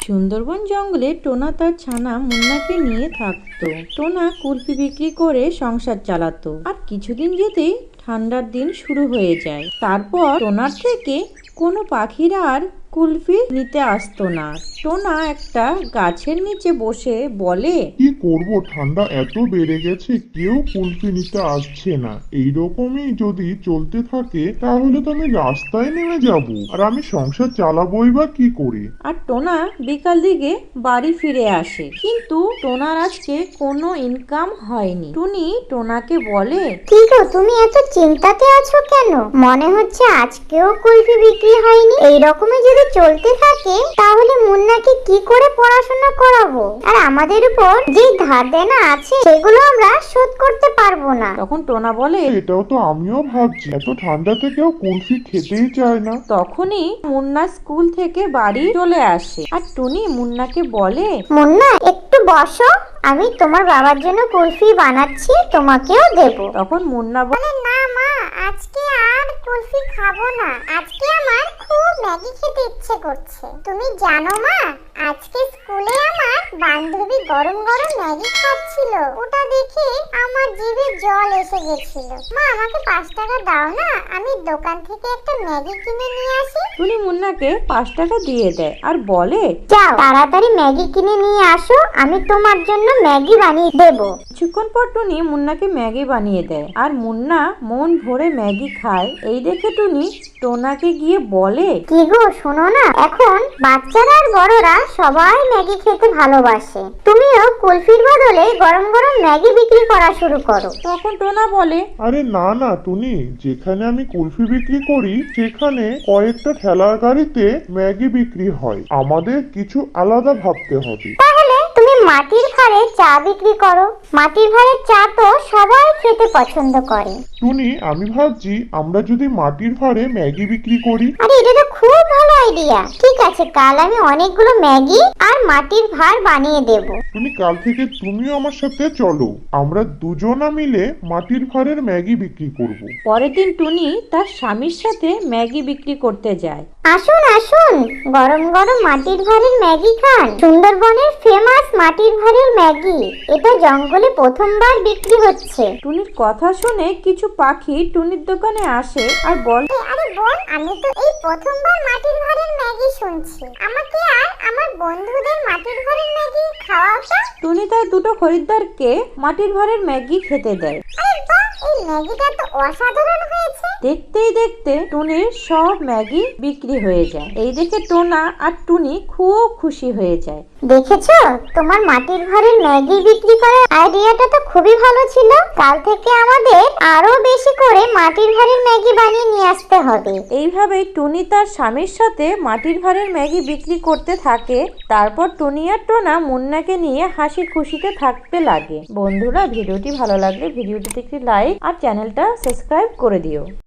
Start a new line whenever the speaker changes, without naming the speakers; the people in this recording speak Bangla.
সুন্দরবন জঙ্গলে টোনা তার ছানা মুন্নাকে নিয়ে থাকতো। টোনা কুলফি বিক্রি করে সংসার চালাতো। আর কিছুদিন যেতেই ঠান্ডার দিন শুরু হয়ে যায়। তারপর টোনার থেকে কোনো পাখিরা আর কুলফি নিতে আসতো না। টোনা একটা গাছের নিচে বসে বলে,
কি করব, ঠান্ডা এত বেড়ে গেছে, কেউ কুলফি নিতে আসছে না। এইরকমই যদি চলতে থাকে তাহলে তো আমি রাস্তায় নেমে যাব, আর আমি সংসার চালাবোই বা কি করে।
আর টোনা বিকাল দিকে বাড়ি ফিরে আসে, কিন্তু টোনার আজকে কোনো ইনকাম হয়নি। টুনি টোনাকে বলে,
কি গো, তুমি এত চিন্তাতে আছো কেন? মনে হচ্ছে আজকেও কুলফি বিক্রি হয়নি। এই রকমই যদি চলতে থাকে তাহলে মুন্নাকে কি করে পড়াশোনা করাবো? আর আমাদের উপর যে ধার দেনা আছে সেগুলো আমরা শোধ করতে পারবো না।
তখন টোনা বলে,
এটাও তো আমিও ভাবছি, এত ঠান্ডাতে কেউ কুলফি খেতেই চায় না।
তখনই মুন্না স্কুল থেকে বাড়ি চলে আসে। আর টুনি মুন্নাকে বলে,
মুন্না একটু বসো, আমি তোমার বাবার জন্য কুলফি বানাচ্ছি, তোমাকেও দেবো।
তখন মুন্না বলে,
না মা, আজকে আর কুলফি খাবো না। আজকে আমার খুব ম্যাগি খেতে ইচ্ছে করছে। তুমি জানো মা, আজকে স্কুলে আমার বান্ধবী গরম গরম ম্যাগি খাচ্ছিল। ওটা দেখে আমার জিভে জল এসে গেছিল। মা, আমাকে 5 টাকা দাও না, আমি দোকান থেকে একটা ম্যাগি কিনে নিয়ে আসি।
টুনি মুন্নাকে 5 টাকা দিয়ে দেয় আর বলে,
যাও তাড়াতাড়ি ম্যাগি কিনে নিয়ে আসো, আমি তোমার জন্য ম্যাগি বানিয়ে দেবো।
কিছুক্ষণ পর টুনি মুন্নাকে ম্যাগি বানিয়ে দেয় আর মুন্না মন ভরে ম্যাগি খায়। এই দেখে টুনি টোনাকে গিয়ে বলে,
কি গো, শোনো না, এখন বাচ্চারা আর বড়রা সবাই ম্যাগি খেতে ভালোবাসে। তুমিও কুলফির বদলে গরম গরম ম্যাগি বিক্রি করা শুরু করো।
তখন টোনা বলে,
আরে না না টুনি, যেখানে আমি কুলফি বিক্রি করি সেখানে কয়েকটা ঠেলার গাড়িতে ম্যাগি বিক্রি হয়, আমাদের কিছু আলাদা ভাবতে হবে।
তাহলে তুমি মাটির ভাঁড়ে চা বিক্রি করো। মাটির ভাঁড়ের চা তো সবাই খেতে পছন্দ করে।
টুনি, আমি ভাবছি আমরা যদি মাটির ভাঁড়ে ম্যাগি বিক্রি করি।
আরে এটা তো খুব ভালো আইডিয়া। ঠিক আছে, কাল আমি অনেকগুলো ম্যাগি আর মাটির ভাঁড় বানিয়ে দেবো।
টুনি, কাল থেকে তুমিও আমার সাথে চলো, আমরা দুজনা মিলে মাটির ভাঁড়ের ম্যাগি বিক্রি করব।
পরের দিন টুনি তার স্বামীর সাথে ম্যাগি বিক্রি করতে যায়।
আসুন আসুন, গরম গরম মাটির ভাঁড়ের ম্যাগি খান। সুন্দরবনের ফেমাস মাটির ভাঁড়ের ম্যাগি, এটা জঙ্গলে প্রথমবার বিক্রি হচ্ছে।
টুনির কথা শুনে কিছু পাখি টুনির দোকানে আসে আর বলে,
আরে বোন, আমি তো এই প্রথমবার মাটির ভাঁড়ের ম্যাগি শুনছি। আমাকে আর আমার বন্ধুদের মাটির ভাঁড়ের ম্যাগি খাওয়াও।
টুনি তার দুটো খরিদ্দারকে মাটির ভাঁড়ের ম্যাগি খেতে দেয়।
আরে বাহ, এই ম্যাগিটা তো অসাধারণ হয়েছে।
দেখতেই দেখতে টুনির সব ম্যাগি বিক্রি হয়ে যায়। এই দেখে টোনা আর টুনি খুব খুশি হয়ে যায়।
দেখেছো, তোমার মাটির ভাঁড়ের ম্যাগি বিক্রি করার আইডিয়াটা তো খুবই ভালো ছিল। কাল থেকে আমাদের আরো বেশি করে মাটির ভাঁড়ের ম্যাগি বানিয়ে নিয়ে আসতে হবে।
এইভাবেই টুনি তার স্বামীর সাথে মাটির ভাঁড়ের ম্যাগি বিক্রি করতে থাকে। তারপর টুনি আর টোনা মুন্নাকে নিয়ে হাসি খুশিতে থাকতে লাগে। বন্ধুরা, ভিডিওটি ভালো লাগলে ভিডিওটিতে একটি লাইক আর চ্যানেলটা সাবস্ক্রাইব করে দিও।